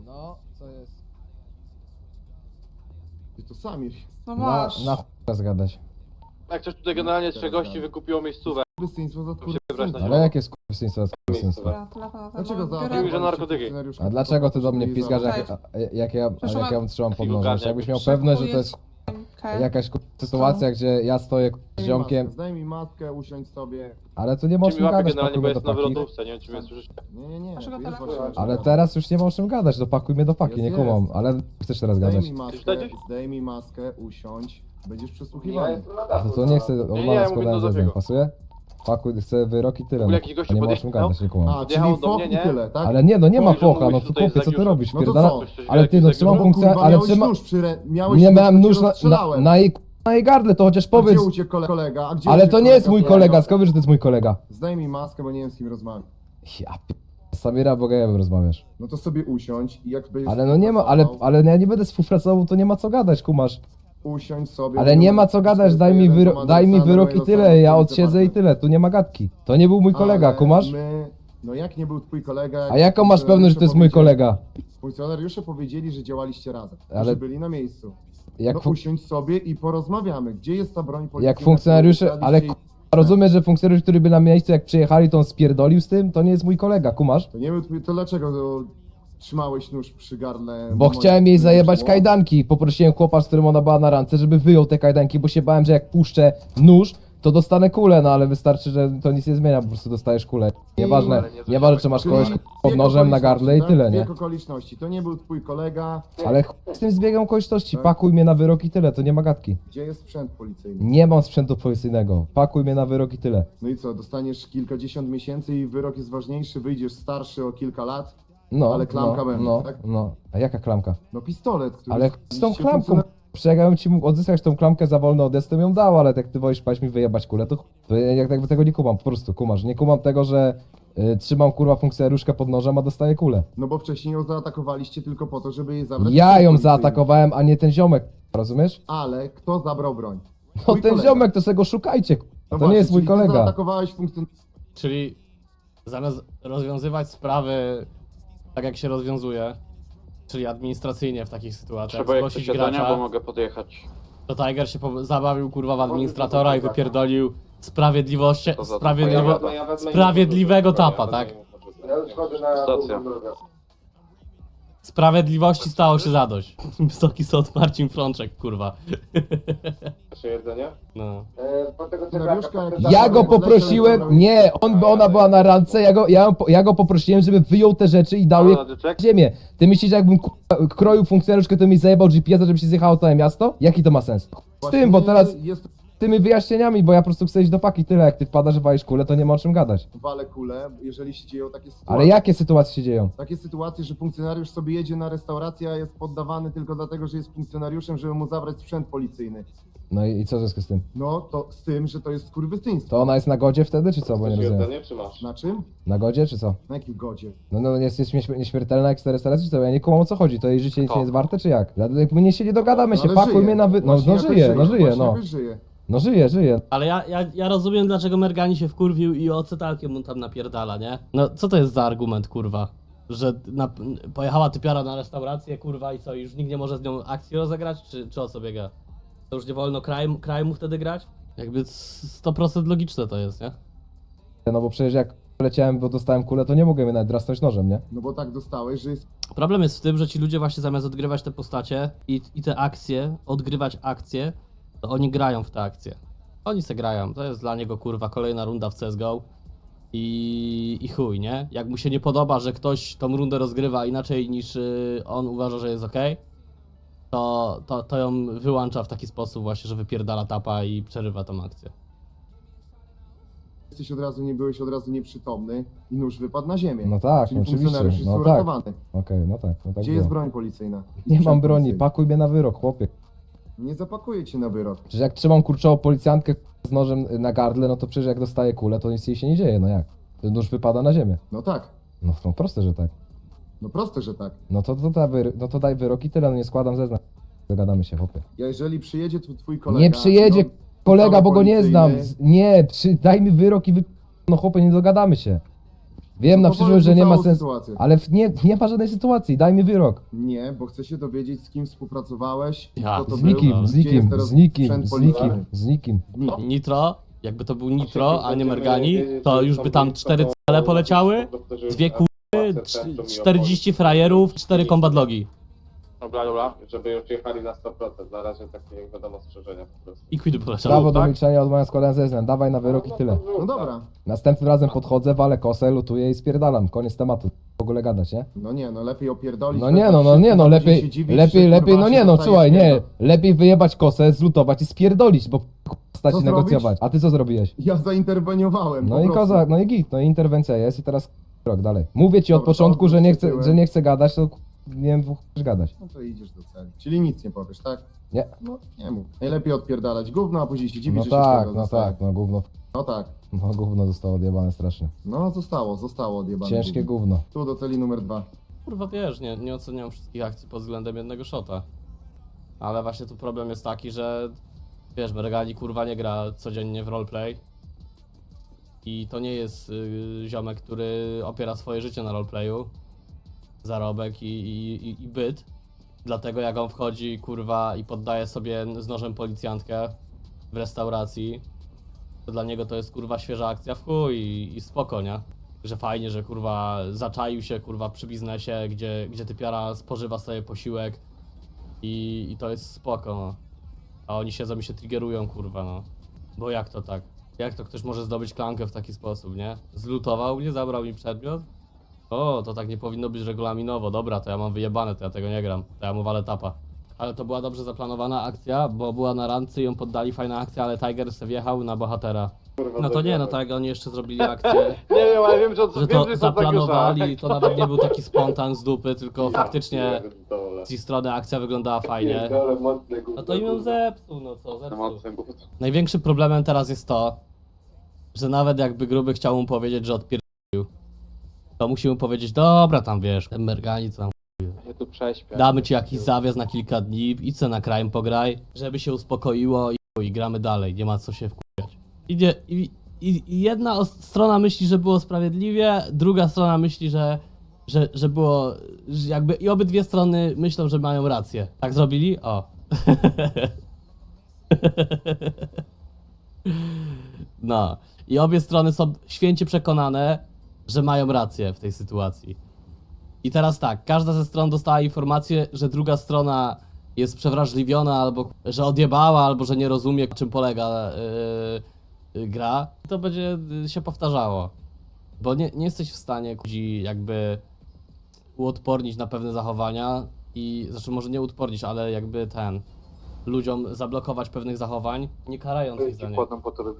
No, co jest? Ty to Samir. No Na masz. chuj zgadać. Jak coś tutaj generalnie trzech gości wykupiło miejscówę. Krystyństwo za wybrać na Ale jakie skurwysyństwo jest skurwysyństwo? Dobra, telefon na Dlaczego telefon. za... Biorę. Mówił, że narkotyki. A dlaczego ty do mnie piskasz, Cześć. jak ja trzymam pod Takiego nożem? Jakbyś miał Przekupuję pewność, że to jest Okej. jakaś sytuacja, gdzie ja stoję z ziomkiem, Zdaj mi maskę, usiądź sobie. ale tu nie Czy mi możemy łapie gadać, generalnie, bo pakujmy do jest na paki. wylotówce, nie wiem czy mnie słyszycie. Nie. Naszego tu jest telefonu. właśnie- Ale teraz już nie możemy gadać, dopakuj mnie do paki, nie Jest, kumam. jest. Ale chcesz teraz Zdaj gadać? mi maskę, Czytacie? zdaj mi maskę, usiądź. Będziesz przesłuchiwany. To nie chcę ja odmawiać mówię składania do zeznań, Zabiego. pasuje? Pakuj, chcę wyrok i tyle, W ogóle no. jakiś gościu Nie podjechał? możemy gadać, nie kumam. A, czyli Podjechał do foch mnie, i nie? tyle, tak? Ale nie, no nie ma Mówi, że focha, no mógłbyś to tutaj chłopie, co ty zagiąć. robisz? No to Pierdala... co? Ale ty, no trzymam No funkcję, kurwa, ale miałeś trzyma... nóż miałeś Nie nóż, miałem to cię nóż rozstrzelałem. na jej gardle, to chociaż A powiedz. gdzie uciekł kolega? A gdzie Ale uciekł to nie jest mój twojego? kolega, skąd wiesz, że to jest mój kolega? Zdaj mi maskę, bo nie wiem z kim rozmawiam. Ja z Samira Bogajewem rozmawiasz. No to sobie usiądź i jak będziesz... Ale no nie ma, ale ja nie będę współpracował, to nie ma co gadać, kumasz. Usiądź sobie... Ale bo nie ma co gadać, daj mi wyrok i tyle, ja odsiedzę i tyle, tu nie ma gadki. To nie był mój kolega, kumasz? No jak nie był twój kolega... A jaką masz pewność, że to jest mój kolega? Funkcjonariusze powiedzieli, że działaliście razem, Ale- że byli na miejscu. Jak, No usiądź sobie i porozmawiamy. Gdzie jest ta broń policyjna? jak funkcjonariusze, którą ale ukradliście rozumiesz, że funkcjonariusz, który by na miejscu jak przyjechali, to on spierdolił z tym? To nie jest mój kolega, kumasz? To nie był twój... To dlaczego trzymałeś nóż przy gardle? Bo chciałem jej zajebać kajdanki. Poprosiłem chłopa, z którym ona była na randce, żeby wyjął te kajdanki, bo się bałem, że jak puszczę nóż, to dostanę kulę, no ale wystarczy, że to nic nie zmienia, po prostu dostajesz kulę. Nieważne, nieważne czy masz kogoś pod nożem na gardle i tyle, nie? Zbieg okoliczności. To nie był twój kolega. Ale z tym zbiegiem okoliczności, pakuj mnie na wyrok i tyle, to nie ma gadki. Gdzie jest sprzęt policyjny? Nie mam sprzętu policyjnego, pakuj mnie na wyrok i tyle. No i co, dostaniesz kilkadziesiąt miesięcy i wyrok jest ważniejszy, wyjdziesz starszy o kilka lat? No, Ale klamka będzie, no, tak? no. A jaka klamka? No pistolet, który... Ale z tą się klamką, funkcjonar- jakbym ci mógł odzyskać tą klamkę za wolny odjazd, to bym ją dał, ale jak ty wolisz paść mi wyjebać kulę, to ja jakby tego nie kumam, po prostu kumasz. Nie kumam tego, że trzymam kurwa funkcjonariuszkę pod nożem, a dostaję kulę. No bo wcześniej ją zaatakowaliście tylko po to, żeby jej zabrać... Ja sprzęt ją policyjny. zaatakowałem, a nie ten ziomek, rozumiesz? Ale kto zabrał broń? No Twój ten kolega. ziomek, to sobie go szukajcie, No to nie jest mój czyli ty kolega. zaatakowałeś funkcjonariusza. Czyli zamiast rozwiązywać sprawy tak jak się rozwiązuje, czyli administracyjnie w takich sytuacjach, Trzeba jak zgłosić posiadania, bo gracza, mogę podjechać. to Tiger się zabawił kurwa w administratora i wypierdolił sprawiedliwości, To za to. sprawiedliwego tapa, tak? Stacja. Sprawiedliwości stało się zadość. Wysoki sąd Marcin Frączek, kurwa. Jeszcze jedzenie? No. Funkcjonariuszka, jak Ja zabrał go podleciał, poprosiłem, zabrał- nie, ona była na randce, ja go poprosiłem, żeby wyjął te rzeczy i dał je na ziemię. Ty myślisz, że jakbym kroił funkcjonariuszkę, to mi zajebał GPS-a, żeby się zjechało całe miasto? Jaki to ma sens? Z Właśnie tym, bo teraz Jest tymi wyjaśnieniami, bo ja po prostu chcę iść do paki, tyle, jak ty wpadasz, że walisz kulę, to nie ma o czym gadać. wale kule, jeżeli się dzieją takie sytuacje. Ale jakie sytuacje się dzieją? Takie sytuacje, że funkcjonariusz sobie jedzie na restaurację, a jest poddawany tylko dlatego, że jest funkcjonariuszem, żeby mu zabrać sprzęt policyjny. No i co w związku z tym? No to z tym, że to jest skurwysyństwo. To ona jest na godzie wtedy, czy co? Bo nie rozumiem. Jedzenie czy masz? Na czym? Na godzie, czy co? Na jakim godzie? No jest nieśmiertelna jak 400 razy, czy co? Ja nie kumam o co chodzi, to jej życie nic nie jest warte, czy jak? My się nie dogadamy się, ale pakuj żyje. mnie na No Właśnie jakoś żyje, właśnie no. jakoś żyje. No żyje. Ale ja rozumiem, dlaczego Mergani się wkurwił i ocetalkiem mu tam napierdala, nie? No co to jest za argument, kurwa? Że pojechała typiara na restaurację, kurwa, i co, już nikt nie może z nią akcji rozegrać? Czy o co biega? To już nie wolno kraju mu wtedy grać? Jakby 100% logiczne to jest, nie? No bo przecież jak leciałem, bo dostałem kulę, to nie mogłem jej nawet drasnąć nożem, nie? No bo tak dostałeś, że jest... Problem jest w tym, że ci ludzie właśnie zamiast odgrywać te postacie i te akcje, odgrywać akcje, to oni grają w te akcje. Oni se grają, to jest dla niego kurwa kolejna runda w CSGO i chuj, nie? Jak mu się nie podoba, że ktoś tą rundę rozgrywa inaczej niż on uważa, że jest okej, to ją wyłącza w taki sposób właśnie, że wypierdala tapa i przerywa tą akcję. byłeś od razu nieprzytomny i nóż wypadł na ziemię. No tak, Czyli oczywiście, funkcjonariusz jest no tak. uratowany. Okej, no tak Gdzie było. jest broń policyjna? Nie mam Sprzęt broni, policyjny. pakuj mnie na wyrok, chłopie. Nie zapakuję cię na wyrok. Przecież jak trzymam kurczową policjantkę z nożem na gardle, no to przecież jak dostaję kulę, to nic jej się nie dzieje, no jak? Ten nóż wypada na ziemię. No tak. No proste, że tak. No proste, że tak. No to daj wyrok i tyle, no nie składam zeznań. Dogadamy się, chłopie. Jeżeli przyjedzie twój kolega... Nie przyjedzie no, kolega, cały bo go nie znam. policyjny, Nie, daj mi wyrok i no chłopie, nie dogadamy się. Wiem na No to przyszłość, że powiedz mi nie ma całą sensu. sytuację. Ale nie ma żadnej sytuacji, daj mi wyrok. Nie, bo chcę się dowiedzieć, z kim współpracowałeś, Ja, kto to Z był, nikim, gdzie jest teraz sprzęt z policyjny. nikim, z nikim. Nitro, jakby to był Nitro, a nie Mergani, to już by tam 4 cele poleciały, 2 kurwy, 40 frajerów, 4 combat logi. Dobra. Żeby już jechali na 100%, na razie takie jak wiadomo strzeżenia po prostu. I quidy poleciały. Prawo do tak? milczenia odmawiam składania zeznań, dawaj na wyrok i tyle. No dobra. Następnym razem podchodzę, walę kosę, lutuję i spierdalam. Koniec tematu. W ogóle gadać, nie? No nie, no lepiej opierdolić. No nie no, lepiej, no nie no, słuchaj, nie. Lepiej wyjebać kosę, zlutować i spierdolić, bo stać Co i negocjować. A ty co zrobiłeś? Ja zainterweniowałem. No po i prostu. kozak, no i git, no i interwencja jest i teraz rok dalej. Mówię ci od Dobra, początku, to że nie odwróć się chcę, że nie chcę gadać, to nie wiem, chcesz gadać. No to idziesz do celi. Czyli nic nie powiesz, tak? Nie. No nie mów. Najlepiej odpierdalać gówno, a później się dziwić, No że tak, się no tak, no gówno. No tak. No gówno zostało odjebane strasznie. No zostało odjebane. Ciężkie gówno. Tu do celi numer 2. Kurwa wiesz, nie oceniam wszystkich akcji pod względem jednego shota. Ale właśnie tu problem jest taki, że wiesz, Mergani kurwa nie gra codziennie w roleplay. I to nie jest ziomek, który opiera swoje życie na roleplayu. Zarobek i byt. Dlatego jak on wchodzi kurwa i poddaje sobie z nożem policjantkę w restauracji, to dla niego to jest kurwa świeża akcja w chuj i spoko, nie? Że fajnie, że kurwa zaczaił się kurwa przy biznesie, gdzie typiara spożywa sobie posiłek i to jest spoko, no. A oni siedzą i się triggerują, kurwa, no. Bo jak to tak? Jak to ktoś może zdobyć klankę w taki sposób, nie? Zlutował mnie, zabrał mi przedmiot? O, to tak nie powinno być regulaminowo. Dobra, to ja mam wyjebane, to ja tego nie gram. To ja mu walę tapa. Ale to była dobrze zaplanowana akcja, bo była na randce i ją poddali, fajna akcja, ale Tiger se wjechał na bohatera. No to nie, no tak, oni jeszcze zrobili akcję, Nie wiem, ale wiem, że że to zaplanowali, to nawet nie był taki spontan z dupy, tylko faktycznie z ich strony akcja wyglądała fajnie. No to im ją zepsuł, no co, zepsuł. Największym problemem teraz jest to, że nawet jakby Gruby chciał mu powiedzieć, że odpierdolił, to musi mu powiedzieć, dobra tam wiesz, ten Mergani co tam, Ja tu prześpię. damy ci jakiś zawias na kilka dni, idź se na crime pograj, żeby się uspokoiło i gramy dalej, nie ma co się wkurwiać. I jedna strona myśli, że było sprawiedliwie, druga strona myśli, że było, że jakby i obydwie strony myślą, że mają rację. Tak zrobili? O. No. I obie strony są święcie przekonane, że mają rację w tej sytuacji. I teraz tak, każda ze stron dostała informację, że druga strona jest przewrażliwiona, albo że odjebała, albo że nie rozumie, czym polega gra. To będzie się powtarzało. Bo nie jesteś w stanie jakby uodpornić na pewne zachowania i, znaczy może nie uodpornić, ale jakby ludziom zablokować pewnych zachowań, nie karając ich za nie. Po to